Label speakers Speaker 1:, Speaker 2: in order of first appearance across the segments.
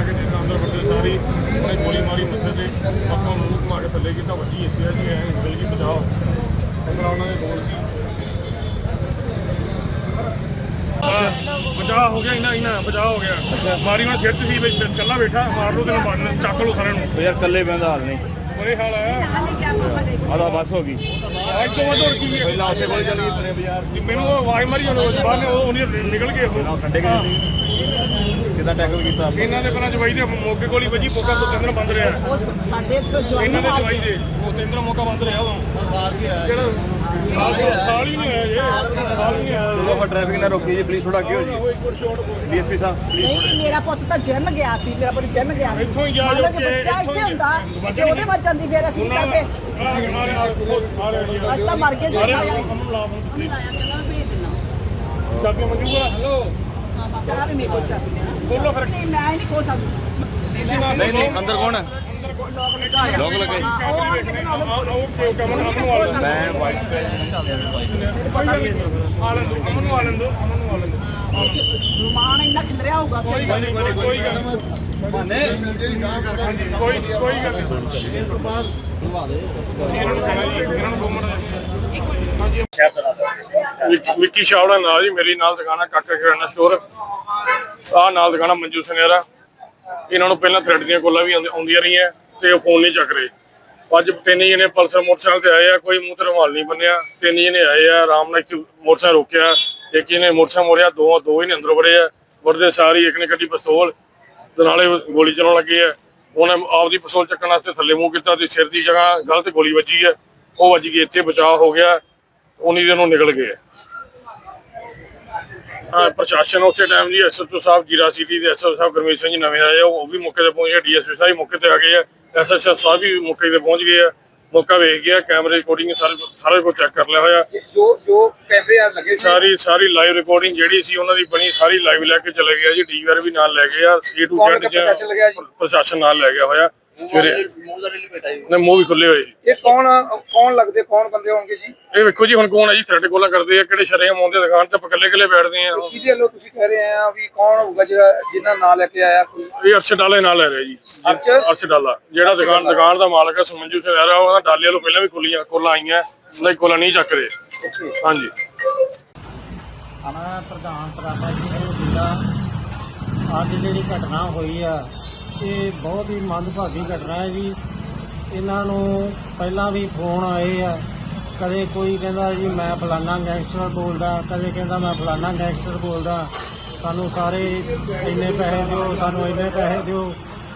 Speaker 1: के अंदर बड़े सारी उन्हें गोली मारी मत्थे से पक्का मूँह घुमा के थले की वजी इसे जी है निकल गई बचाओ इस तरह उन्होंने बोल की बचाव हो गया इन्ना इन्ना बचाव हो गया मारी मैं सिर सी कला बैठा मार लो तेन मारना चक लो सारे
Speaker 2: यार कल्ले बंदा हाल नहीं
Speaker 1: बुरे हाल है
Speaker 2: आधा बस हो गई
Speaker 1: आज तो वध होर की
Speaker 2: पहला उत्थे गोली चल गई तने बाजार
Speaker 1: मैनू आवाज मारी बाहर ने निकल गए
Speaker 2: ठंडे किदा टैकल किया
Speaker 1: ਇਹਨਾਂ ਦੇ ਪਹਿਲਾਂ ਜਵਾਈ ਦੇ ਮੌਕੇ ਗੋਲੀ ਵੱਜੀ ਮੌਕਾ ਤੋਂ ਤਿੰਨ ਬੰਦ ਰਿਹਾ
Speaker 3: ਸਾਡੇ
Speaker 1: ਇਹਨਾਂ ਦੇ ਜਵਾਈ ਦੇ ਉਹ ਤਿੰਨ ਮੌਕਾ ਬੰਦ ਰਿਹਾ ਉਹ ਜਿਹੜਾ ਸਾਲ ਹੀ ਨਹੀਂ ਹੋਇਆ ਇਹ ਸਾਲ ਹੀ ਨਹੀਂ ਆਇਆ
Speaker 2: चलो फिर ट्रैफिक ना रोकी जी प्लीज थोड़ा आगे हो जी डीएसपी साहब प्लीज
Speaker 3: ਨਹੀਂ ਮੇਰਾ ਪੁੱਤ ਤਾਂ ਜਿਮ ਗਿਆ ਸੀ ਮੇਰਾ ਪੁੱਤ ਜਿਮ ਗਿਆ ਸੀ
Speaker 1: ਇੱਥੋਂ ਹੀ ਗਿਆ ਜੋ ਕਿ
Speaker 3: ਇੱਥੋਂ ਹੀ ਹੁੰਦਾ ਜੇ ਉਹਦੇ ਵੱਜ ਜਾਂਦੀ ਫਿਰ ਅਸੀਂ ਕਰਦੇ ਅਸੀਂ ਤਾਂ ਮਰ ਗਏ ਸੀ ਸਾਰੇ
Speaker 1: ਚਾਬੀ ਮੰਗੂਗਾ ਹੈਲੋ
Speaker 3: ਚਾਹ ਵੀ ਮੇਰੇ ਕੋਲ ਚਾਹ
Speaker 1: ਬੋਲੋ ਫਿਰ
Speaker 3: ਨਹੀਂ ਮੈਂ ਨਹੀਂ ਖੋ ਸਕਦੀ
Speaker 2: नहीं नहीं अंदर कौन है लोग लगे मैं वाइट
Speaker 3: ਸਮਾਨ ਇੰਨਾ ਖਿੰਦਰਿਆ ਹੋਊਗਾ
Speaker 1: ਕੋਈ ਗੱਲ ਨਹੀਂ ਵਿੱਕੀ ਸ਼ਾਵੜਾ ਨਾਲ ਜੀ ਮੇਰੀ ਨਾਲ ਦੁਕਾਨਾ ਕਾਕਾ ਕਿਰਾਣਾ ਸਟੋਰ ਆਹ ਨਾਲ ਦੁਕਾਨਾ ਮੰਜੂ ਸੁਨੇਰਾ ਇਹਨਾਂ ਨੂੰ ਪਹਿਲਾਂ ਥ੍ਰੈਡ ਦੀਆਂ ਕੋਲਾਂ ਵੀ ਆਉਂਦੀਆਂ ਰਹੀਆਂ ਤੇ ਉਹ ਫੋਨ ਨਹੀਂ ਚੱਕ ਰਹੇ ਅੱਜ ਤਿੰਨ ਜਣੇ ਪਲਸਰ ਮੋਟਰਸਾਈਕਲ ਤੇ ਆਏ ਆ ਕੋਈ ਮੂੰਹ ਤੇ ਰੁਮਾਲ ਨਹੀਂ ਬੰਨਿਆ ਤਿੰਨ ਜਣੇ ਆਏ ਆ ਆਰਾਮ ਨਾਲ ਇੱਕ ਮੋਟਰਸਾਈਕਲ ਰੋਕਿਆ ਇੱਕ ਇਹਨੇ ਮੋਟਰਸਾਈਕਲ ਮੋੜਿਆ ਦੋ ਹੀ ਨੇ ਅੰਦਰ ਵੜੇ ਆ ਵੜਦੇ ਸਾਰੀ ਇੱਕ ਨੇ ਕੱਢੀ ਪਿਸਤੌਲ ਤੇ ਨਾਲੇ ਗੋਲੀ ਚਲਾਉਣ ਲੱਗੇ ਆ ਉਹਨੇ ਆਪਦੀ ਪਿਸਤੌਲ ਚੱਕਣ ਵਾਸਤੇ ਥੱਲੇ ਮੂੰਹ ਕੀਤਾ ਤੇ ਸਿਰ ਦੀ ਜਗ੍ਹਾ ਗਲਤ ਗੋਲੀ ਵੱਜੀ ਆ ਉਹ ਵੱਜ ਗਈ ਇੱਥੇ ਬਚਾਅ ਹੋ ਗਿਆ ਉਨੀ ਦਿਨ ਉਹ ਨਿਕਲ ਗਏ ਪ੍ਰਸ਼ਾਸਨ ਉਸੇ ਟਾਈਮ ਜੀ ਐਸਐਚਓ ਸਾਹਿਬ ਜੀਰਾ ਸਿਟੀ ਦੇ ਐਸਐਚਓ ਸਾਹਿਬ ਗੁਰਮੀਤ ਸਿੰਘ ਜੀ ਨਵੇਂ ਆਏ ਉਹ ਵੀ ਮੌਕੇ ਤੇ ਪਹੁੰਚੇ ਡੀਐਸਪੀ ਸਾਹਿਬ ਮੌਕੇ ਤੇ ਆ ਗਏ ਆ ਐਸਐਚਓ ਸਾਹਿਬ ਵੀ ਮੌਕੇ ਤੇ ਪਹੁੰਚ ਗਏ ਆ ਮੌਕਾ ਵੇਖ ਗਿਆ ਕੈਮਰੇ ਰਿਕਾਰਡਿੰਗ ਸਾਰੇ ਕੁਝ ਚੈੱਕ ਕਰ ਲਿਆ ਹੋਇਆ
Speaker 4: ਜੋ ਕੈਮਰੇ ਆ ਲੱਗੇ
Speaker 1: ਸਾਰੀ ਲਾਈਵ ਰਿਕਾਰਡਿੰਗ ਜਿਹੜੀ ਸੀ ਉਹਨਾਂ ਦੀ ਬਣੀ ਸਾਰੀ ਲਾਈਵ ਲੈ ਕੇ ਚਲੇ ਗਿਆ ਜੀ ਡੀਵੀਆਰ ਵੀ ਨਾਲ ਲੈ ਗਏ ਆ ਏ ਟੂ ਜ਼ੈਡ ਪ੍ਰਸ਼ਾਸਨ ਨਾਲ ਲੈ ਗਿਆ ਹੋਇਆ ਸਵੇਰੇ ਨੇ ਮੂੰਹ ਵੀ ਖੁੱਲੇ ਹੋਏ
Speaker 4: ਇਹ ਕੌਣ ਲੱਗਦੇ ਕੌਣ ਬੰਦੇ ਹੋਣਗੇ ਜੀ
Speaker 1: ਇਹ ਵੇਖੋ ਜੀ ਹੁਣ ਕੌਣ ਹੈ ਜੀ ਥ੍ਰੈਡ ਕੋਲਾ ਕਰਦੇ ਆ ਕਿਹੜੇ ਸ਼ਰੇਆਮ ਆਉਂਦੇ ਦੁਕਾਨ ਤੇ ਇਕੱਲੇ ਬੈਠਦੇ ਆ
Speaker 4: ਕਿਹਦੇ ਵੱਲੋਂ ਤੁਸੀਂ ਕਹਿ ਰਹੇ ਆ ਵੀ ਕੌਣ ਹੋਊਗਾ ਜਿਹੜਾ ਜਿੰਨਾ ਨਾਂ ਲੈ ਕੇ ਆਇਆ ਕੋਈ
Speaker 1: ਇਹ ਅਰਸ਼ ਡਾਲੇ ਨਾਲ ਲੈ ਰਿਹਾ ਜੀ ਅਰਸ਼ ਡਾਲਾ ਜਿਹੜਾ ਦੁਕਾਨ ਦਾ ਮਾਲਕ ਹੈ ਸਮੰਜੂ ਸਿੰਘ ਆ ਰਿਹਾ ਉਹਦਾ ਡਾਲੇ ਵੱਲੋਂ ਪਹਿਲਾਂ ਵੀ ਖੁੱਲੀਆਂ ਕੋਲਾਂ ਆਈਆਂ ਨਹੀਂ ਕੋਲਾਂ ਨਹੀਂ ਚੱਕ ਰਹੇ ਹਾਂਜੀ
Speaker 5: ਮੈਂ ਪ੍ਰਧਾਨ ਸਰਾਭਾ ਜੀ ਨੂੰ ਜ਼ਿਲ੍ਹਾ ਅੱਜ ਜਿਹੜੀ ਘਟਨਾ ਹੋਈ ਆ ਇਹ ਬਹੁਤ ਹੀ ਮੰਦਭਾਗੀ ਘਟਨਾ ਹੈ ਜੀ ਇਹਨਾਂ ਨੂੰ ਪਹਿਲਾਂ ਵੀ ਫੋਨ ਆਏ ਆ ਕਦੇ ਕੋਈ ਕਹਿੰਦਾ ਜੀ ਮੈਂ ਫਲਾਨਾ ਗੈਂਗਸਟਰ ਬੋਲਦਾ ਕਦੇ ਕਹਿੰਦਾ ਮੈਂ ਫਲਾਨਾ ਗੈਂਗਸਟਰ ਬੋਲਦਾ ਸਾਨੂੰ ਸਾਰੇ ਇੰਨੇ ਪੈਸੇ ਦਿਓ ਸਾਨੂੰ ਇੰਨੇ ਪੈਸੇ ਦਿਓ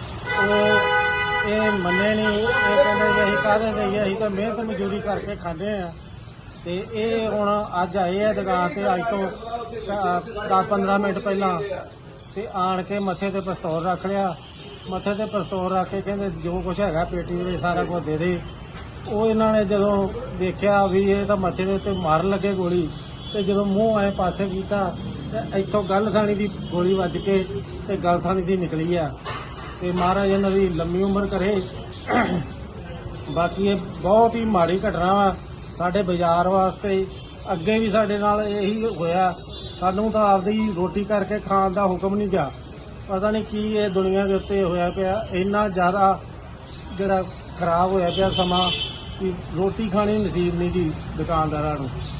Speaker 5: ਉਹ ਇਹ ਮੰਨੇ ਨਹੀਂ ਇਹ ਕਹਿੰਦੇ ਜੀ ਅਸੀਂ ਕਾਹਦੇ ਦੇਈਏ ਅਸੀਂ ਤਾਂ ਮਿਹਨਤ ਮਜ਼ਦੂਰੀ ਕਰਕੇ ਖਾਂਦੇ ਆ ਤੇ ਇਹ ਹੁਣ ਅੱਜ ਆਏ ਆ ਦੁਕਾਨ ਤੇ ਅੱਜ ਤੋਂ 10-15 ਮਿੰਟ ਪਹਿਲਾਂ ਤੇ ਆਣ ਕੇ ਮੱਥੇ ਤੇ ਪਿਸਤੌਲ ਰੱਖ ਲਿਆ ਮੱਥੇ ਤੇ ਪਿਸਤੌਲ ਰੱਖ ਕੇ ਕਹਿੰਦੇ ਜੋ ਕੁਛ ਹੈਗਾ ਪੇਟੀ ਦੇ ਵਿੱਚ ਸਾਰਾ ਕੁਝ ਦੇ ਦੇ ਉਹ ਇਹਨਾਂ ਨੇ ਜਦੋਂ ਦੇਖਿਆ ਵੀ ਇਹ ਤਾਂ ਮੱਥੇ ਦੇ ਉੱਤੇ ਮਾਰਨ ਲੱਗੇ ਗੋਲੀ ਤੇ ਜਦੋਂ ਮੂੰਹ ਐ ਪਾਸੇ ਕੀਤਾ ਤੇ ਇੱਥੋਂ ਗਲ ਥਾਣੀ ਦੀ ਗੋਲੀ ਵੱਜ ਕੇ ਤੇ ਗਲ ਥਾਣੀ ਦੀ ਨਿਕਲੀ ਆ ਤੇ ਮਹਾਰਾਜ ਇਹਨਾਂ ਦੀ ਲੰਮੀ ਉਮਰ ਕਰੇ ਬਾਕੀ ਇਹ ਬਹੁਤ ਹੀ ਮਾੜੀ ਘਟਨਾ ਵਾ ਸਾਡੇ ਬਾਜ਼ਾਰ ਵਾਸਤੇ ਅੱਗੇ ਵੀ ਸਾਡੇ ਨਾਲ ਇਹੀ ਹੋਇਆ ਸਾਨੂੰ ਤਾਂ ਆਪਦੀ ਰੋਟੀ ਕਰਕੇ ਖਾਣ ਦਾ ਹੁਕਮ ਨਹੀਂ ਗਿਆ ਪਤਾ ਨਹੀਂ ਕੀ ਇਹ ਦੁਨੀਆ ਦੇ ਉੱਤੇ ਹੋਇਆ ਪਿਆ ਇੰਨਾ ਜ਼ਿਆਦਾ ਜਿਹੜਾ ਖਰਾਬ ਹੋਇਆ ਪਿਆ ਸਮਾਂ ਕਿ ਰੋਟੀ ਖਾਣੀ ਨਸੀਬ ਨਹੀਂ ਜੀ ਦੁਕਾਨਦਾਰਾਂ ਨੂੰ